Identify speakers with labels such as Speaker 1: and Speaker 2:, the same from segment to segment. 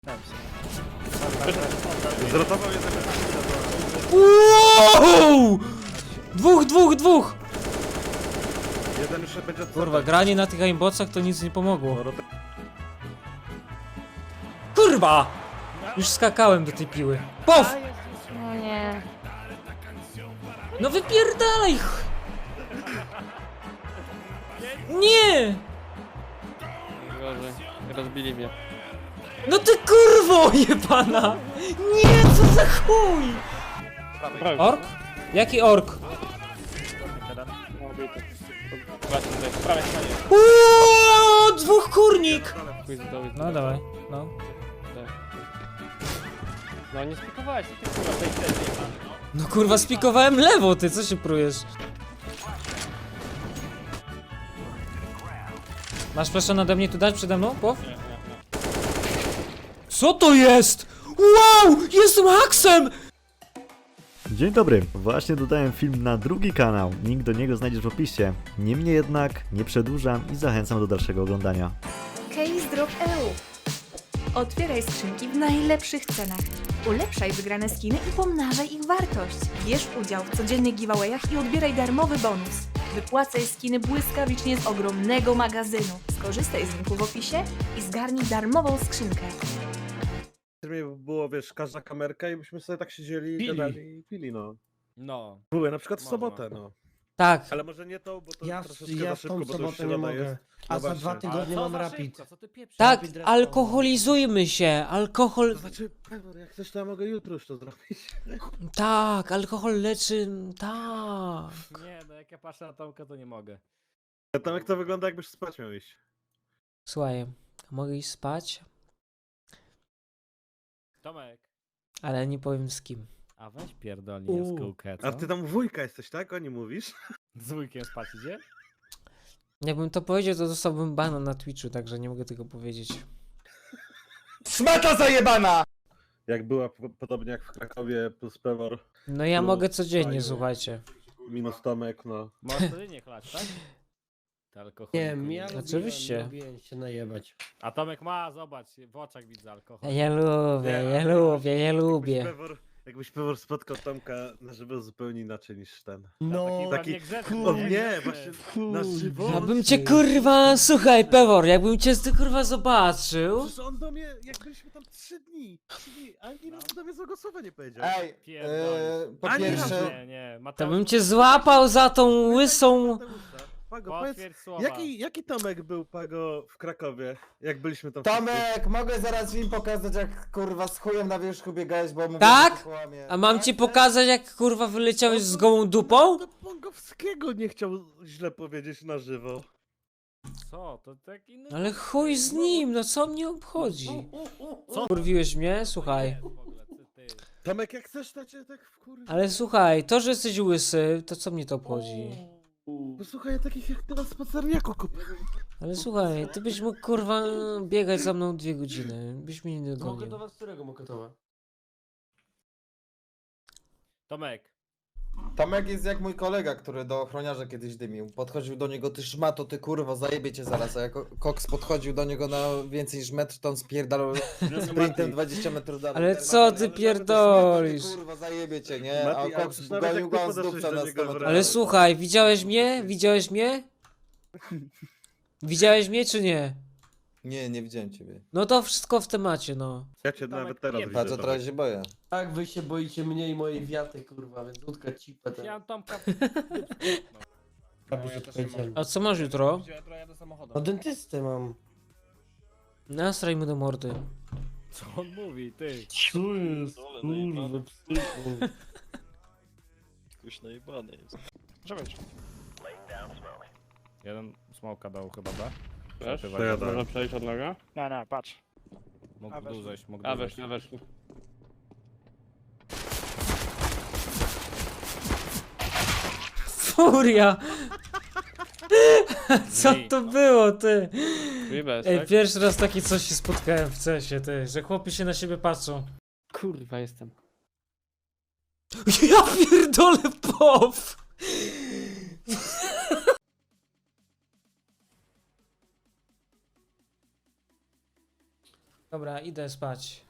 Speaker 1: Zrotował jeden.
Speaker 2: Wow! Dwóch!
Speaker 1: Jeden jeszcze będzie od
Speaker 2: Kurwa, granie na tych aimbotach to nic nie pomogło.
Speaker 1: No,
Speaker 2: Kurwa! Już skakałem do tej piły. Pow!
Speaker 3: No nie.
Speaker 2: No wypierdalaj! Nie!
Speaker 4: Gorzej, rozbili mnie.
Speaker 2: No ty kurwo jebana! Nie, co za chuj! Ork? Jaki ork?
Speaker 4: Prawie stanie.
Speaker 2: Uuuu, dwóch kurnik! No dawaj, no.
Speaker 4: No nie spikowałeś, ty kurwa, tej sesji.
Speaker 2: No kurwa, spikowałem lewo, ty, co się prujesz? Masz proszę nade mnie tu dać przede mną, pow? Co to jest? Wow! Jestem haksem!
Speaker 5: Dzień dobry, właśnie dodałem film na drugi kanał, link do niego znajdziesz w opisie. Niemniej jednak nie przedłużam i zachęcam do dalszego oglądania.
Speaker 6: Case Drop EU. Otwieraj skrzynki w najlepszych cenach. Ulepszaj wygrane skiny i pomnażaj ich wartość. Bierz udział w codziennych giveawayach i odbieraj darmowy bonus. Wypłacaj skiny błyskawicznie z ogromnego magazynu. Skorzystaj z linku w opisie i zgarnij darmową skrzynkę.
Speaker 1: Było, wiesz, każda kamerka i byśmy sobie tak siedzieli,
Speaker 4: Pili.
Speaker 1: gadali i pili, no.
Speaker 4: No.
Speaker 1: Były na przykład w
Speaker 4: Można.
Speaker 1: sobotę, no.
Speaker 2: Tak.
Speaker 1: Ale może nie to, bo to
Speaker 7: Ja
Speaker 1: troszeczkę
Speaker 7: w
Speaker 1: za szybko,
Speaker 7: tą
Speaker 1: bo to już
Speaker 7: sobotę nie
Speaker 1: środa
Speaker 7: mogę.
Speaker 1: jest.
Speaker 7: A
Speaker 1: No
Speaker 7: za
Speaker 1: właśnie.
Speaker 7: 2 tygodnie mam rapid.
Speaker 4: Co ty pieprzysz?
Speaker 2: Tak,
Speaker 7: Rapid
Speaker 2: alkoholizujmy się, alkohol...
Speaker 1: To znaczy, Pewor, jak chcesz, to ja mogę jutro już to zrobić.
Speaker 2: Tak, alkohol leczy... Tak.
Speaker 4: Nie, no jak ja patrzę na Tomka, to nie mogę.
Speaker 1: A tam jak to wygląda, jakbyś spać miał iść.
Speaker 2: Słuchaj, mogę iść spać,
Speaker 4: Tomek,
Speaker 2: ale nie powiem z kim.
Speaker 4: a weź pierdolnie w kółkę, co?
Speaker 1: A ty tam wujka jesteś, tak? O nie mówisz?
Speaker 4: Z wujkiem spać idzie?
Speaker 2: Jakbym to powiedział, to dostałbym bana na Twitchu, także nie mogę tego powiedzieć.
Speaker 7: Smata zajebana!
Speaker 1: Jak była podobnie jak w Krakowie plus Pewor
Speaker 2: No ja
Speaker 1: No,
Speaker 2: mogę codziennie,
Speaker 1: fajnie.
Speaker 2: słuchajcie.
Speaker 1: minus Tomek, no.
Speaker 4: Możesz wtedy nie chlać, tak? Ty alkoholiku
Speaker 7: Nie wiem, ja
Speaker 2: Oczywiście.
Speaker 7: lubiłem się najebać.
Speaker 4: A Tomek ma, zobacz, w oczach widzę alkohol.
Speaker 2: Ja lubię.
Speaker 1: Jakbyś Pewor spotkał Tomka na żywo zupełnie inaczej niż ten.
Speaker 7: No,
Speaker 1: taki-
Speaker 4: niegrzeczny,
Speaker 1: O
Speaker 7: Kurde.
Speaker 1: nie, właśnie na żywo.
Speaker 2: Ja bym cię kurwa, słuchaj Pewor, jakbym cię ty kurwa zobaczył.
Speaker 1: Przecież on do mnie, jak byliśmy tam 3 dni, ani razu do mnie złego słowa nie powiedział.
Speaker 8: Ej,
Speaker 4: Pierdolisz.
Speaker 8: po
Speaker 1: Ani
Speaker 8: pierwsze,
Speaker 1: razu.
Speaker 4: Nie,
Speaker 2: To
Speaker 4: Mateusz,
Speaker 2: bym cię złapał za tą łysą...
Speaker 1: Pago, powiedz,
Speaker 4: potwierdź słowa.
Speaker 1: jaki Tomek był, Pago, w Krakowie, jak byliśmy tam
Speaker 8: Tomek, mogę zaraz im pokazać, jak kurwa z chujem na wierzchu biegałeś, bo mówię,
Speaker 2: Tak?
Speaker 8: że ty kłamie.
Speaker 2: A mam ci
Speaker 8: Tak,
Speaker 2: pokazać jak kurwa wyleciałeś z gołą dupą?
Speaker 1: To Pongowskiego nie chciał źle powiedzieć na żywo.
Speaker 4: Co? To tak inny...
Speaker 2: Ale chuj z nim, no co mnie obchodzi? Co? Kurwiłeś mnie? Słuchaj.
Speaker 4: W ogóle, ty.
Speaker 1: Tomek, jak chcesz, to cię tak wkurwi.
Speaker 2: Ale słuchaj, to, że jesteś łysy, to co mnie to obchodzi?
Speaker 1: Posłuchaj, takich jak ty na spacerniaku kup.
Speaker 2: Ale słuchaj, ty byś mógł kurwa biegać za mną 2 godziny, byś mnie nie
Speaker 7: Mogę
Speaker 2: dogonił.
Speaker 7: do was którego mokotowa?
Speaker 4: Tomek,
Speaker 8: Tomek jest jak mój kolega, który do ochroniarza kiedyś dymił. Podchodził do niego, ty szmato, ty kurwa, zajebie cię zaraz. A jak Cox podchodził do niego na więcej niż metr, to on spierdalał sprintem 20 metrów dalej.
Speaker 2: Ale
Speaker 8: Ten
Speaker 2: co
Speaker 8: Mati,
Speaker 2: ty
Speaker 8: ale
Speaker 2: pierdolisz?
Speaker 8: Ty kurwa, zajebie cię, nie?
Speaker 1: Mati,
Speaker 8: A
Speaker 1: ale
Speaker 8: Cox
Speaker 1: przecież nawet
Speaker 8: gonił
Speaker 1: jak
Speaker 8: go
Speaker 1: ty
Speaker 8: on z
Speaker 1: podeszłeś
Speaker 8: dupca
Speaker 1: do
Speaker 8: na
Speaker 1: niego
Speaker 8: 100 metrów.
Speaker 2: Ale słuchaj, widziałeś mnie? Widziałeś mnie? Widziałeś mnie czy nie?
Speaker 8: Nie, nie widziałem ciebie.
Speaker 2: No to wszystko w temacie, no.
Speaker 1: Ja cię nawet teraz
Speaker 4: nie,
Speaker 1: widzę,
Speaker 8: Patrz,
Speaker 1: Tomek.
Speaker 8: trochę się boję.
Speaker 7: Tak, wy się boicie mnie i mojej wiaty, kurwa, więc łódka cipę
Speaker 4: ja
Speaker 7: ten.
Speaker 4: Tomka...
Speaker 2: A co masz jutro?
Speaker 7: No dentystę mam.
Speaker 2: Nastraj mu do mordy.
Speaker 4: Co on mówi, ty?
Speaker 7: Co jest? Kurwa, psycho.
Speaker 9: Jakoś najebany jest.
Speaker 4: Jeden smoka dał chyba, B.
Speaker 9: Wiesz?
Speaker 1: To ja dałem.
Speaker 9: przejść od noga?
Speaker 4: No, patrz. Mógł dół zejść, mógł
Speaker 9: A
Speaker 4: dół zejść.
Speaker 9: weszli.
Speaker 2: Furia! Co to było, ty?
Speaker 9: Bez,
Speaker 2: Ej,
Speaker 9: tak?
Speaker 2: pierwszy raz takie coś się spotkałem w cesie, ty, że chłopi się na siebie patrzą.
Speaker 9: Kurwa jestem.
Speaker 2: Ja pierdolę pow! Dobra, idę spać.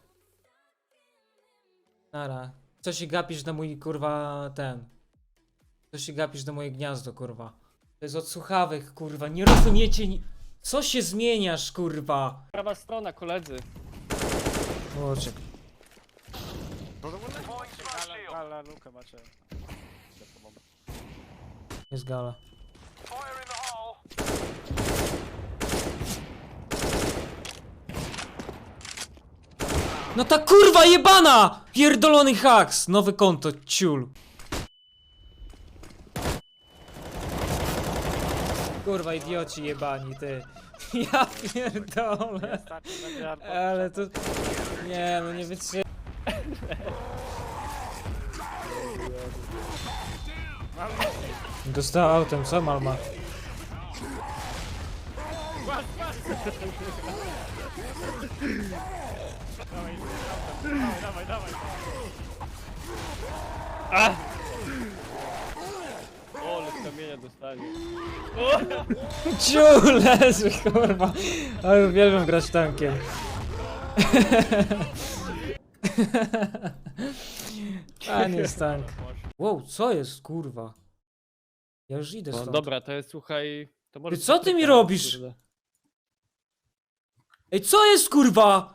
Speaker 2: Nara. Co się gapisz na mój kurwa ten? Co się gapisz na moje gniazdo, kurwa? To jest od słuchawek, kurwa. Nie rozumiecie ni... Co się zmieniasz, kurwa?
Speaker 9: Prawa strona, koledzy.
Speaker 2: Łoczek.
Speaker 4: Ale lukę macie.
Speaker 2: Jest gala. No ta kurwa jebana! Pierdolony haks! Nowe konto, ciul. Kurwa idioci jebani, ty. Ja pierdolę. Ale to... Nie, no nie wytrzymam. Dostała autem, co Malma?
Speaker 4: Dawaj.
Speaker 9: O, ale z kamienia dostanie.
Speaker 2: Ciu, leży, kurwa. Ale uwielbiam grać tankiem. A nie jest tank. Wow, co jest, kurwa? Ja już idę
Speaker 9: No,
Speaker 2: stąd.
Speaker 9: dobra, to jest, słuchaj... To może
Speaker 2: Ty co ty mi
Speaker 9: Patryka,
Speaker 2: robisz?
Speaker 9: kurde.
Speaker 2: Ej, co jest, kurwa?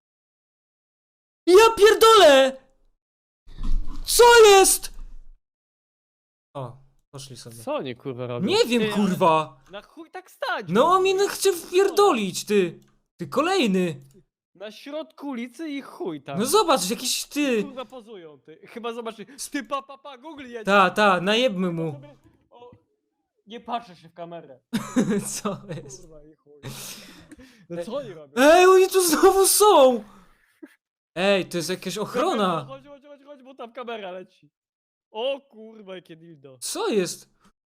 Speaker 2: Ja pierdolę! Co jest? O, poszli sobie.
Speaker 9: Co oni kurwa robią?
Speaker 2: Nie wiem,
Speaker 9: Ty, ale
Speaker 2: kurwa.
Speaker 9: Na chuj tak stać!
Speaker 2: No on mnie chce wpierdolić, ty. Ty kolejny.
Speaker 9: Na środku ulicy i chuj tam.
Speaker 2: No zobacz, jakiś ty.
Speaker 9: Kurwa pozują, ty. Chyba zobacz, ty Google jedzie.
Speaker 2: Ta, najebmy mu.
Speaker 9: Sobie- o, nie patrzę się w kamerę.
Speaker 2: Co jest?
Speaker 9: Kurwa i chuj. No co oni robią?
Speaker 2: Ej, oni tu znowu są! Ej, to jest jakaś ochrona.
Speaker 9: Chodź, bo tam kamera leci. O kurwa, jakie dildo.
Speaker 2: Co jest?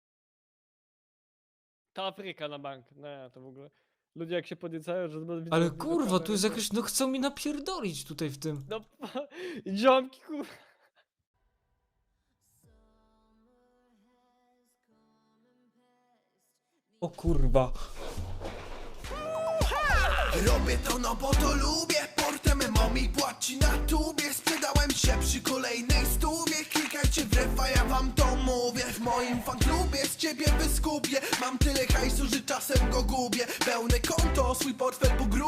Speaker 9: Ta Afryka na bank. Nie, to w ogóle. Ludzie jak się podniecają, że...
Speaker 2: Ale kurwa, tu jest jakaś, no chcą mi napierdolić tutaj w tym.
Speaker 9: No, ziomki kurwa.
Speaker 2: O kurwa.
Speaker 3: Robię to no bo to lubię. Portem mommy płaci na tubie. Sprzedałem się przy kolejnej stówie. Klikajcie w refa, ja wam to mówię. W moim fanklubie z ciebie wyskupię. Mam tyle hajsu, że czasem go gubię. Pełne konto, swój portfel po grubie.